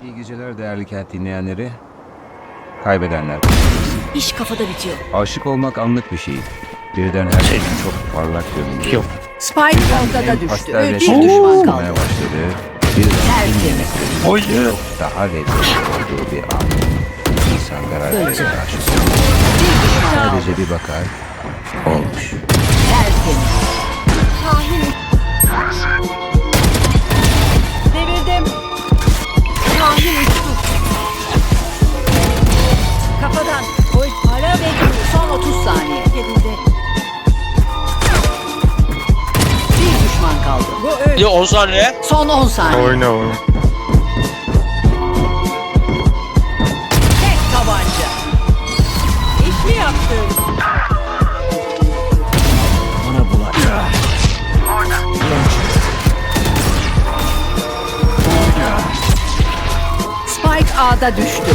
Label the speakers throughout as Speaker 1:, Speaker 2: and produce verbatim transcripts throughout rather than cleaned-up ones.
Speaker 1: İyi geceler değerli kent dinleyenleri. Kaybedenler.
Speaker 2: İş kafada bitiyor.
Speaker 1: Aşık olmak anlık bir şey. Birden her şey çok parlak görünüyor.
Speaker 2: Spike ortada düştü.
Speaker 1: Pastel
Speaker 2: Bir
Speaker 1: resim
Speaker 2: düşman
Speaker 1: olmaya
Speaker 2: kaldı.
Speaker 1: başladı. Bir
Speaker 2: Tertemiz.
Speaker 1: Hayır. Daha lezzetli olduğu bir an. İnsan karakterine aşık olur.
Speaker 2: Bir düşman kaldı.
Speaker 1: Sadece bir bakar. Olmuş.
Speaker 2: Tertemiz. Kahin. Devirdim. Kahin uçtu. Kafadan. Oy. Ara bekliyor. Son otuz saniye. Yerinde. Bir düşman kaldı. Bu öyle.
Speaker 3: Ya on saniye.
Speaker 2: Son on saniye.
Speaker 4: Oyna oyna.
Speaker 2: Tek tabanca. İş mi yaptın?
Speaker 1: Bana bular.
Speaker 2: Spike A'da düştü.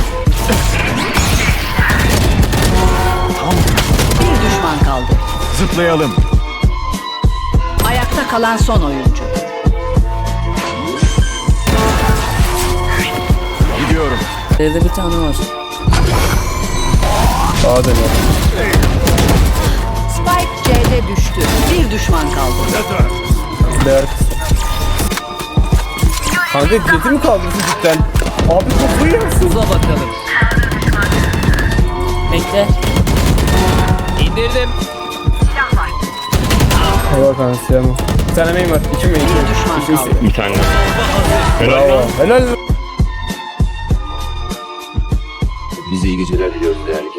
Speaker 2: Bir düşman kaldı.
Speaker 1: Zıplayalım.
Speaker 2: Ayakta kalan son oyuncu.
Speaker 1: Gidiyorum.
Speaker 5: Evde bir tane var.
Speaker 4: Sağa dönüyorum.
Speaker 2: Spike C'de düştü. Bir düşman kaldı.
Speaker 4: Değer kısa. Kanka jeti mi kaldırdı cidden? Abi kafayı yersin.
Speaker 5: Uza bakalım. Bekle. İndirdim.
Speaker 4: Eyvah kanka silahım. Bir tane main var. İki main.
Speaker 2: Bir düşman
Speaker 4: İki
Speaker 2: kaldı.
Speaker 4: Bir tane. Bravo. Helal.
Speaker 1: Bize iyi geceler diliyoruz değerli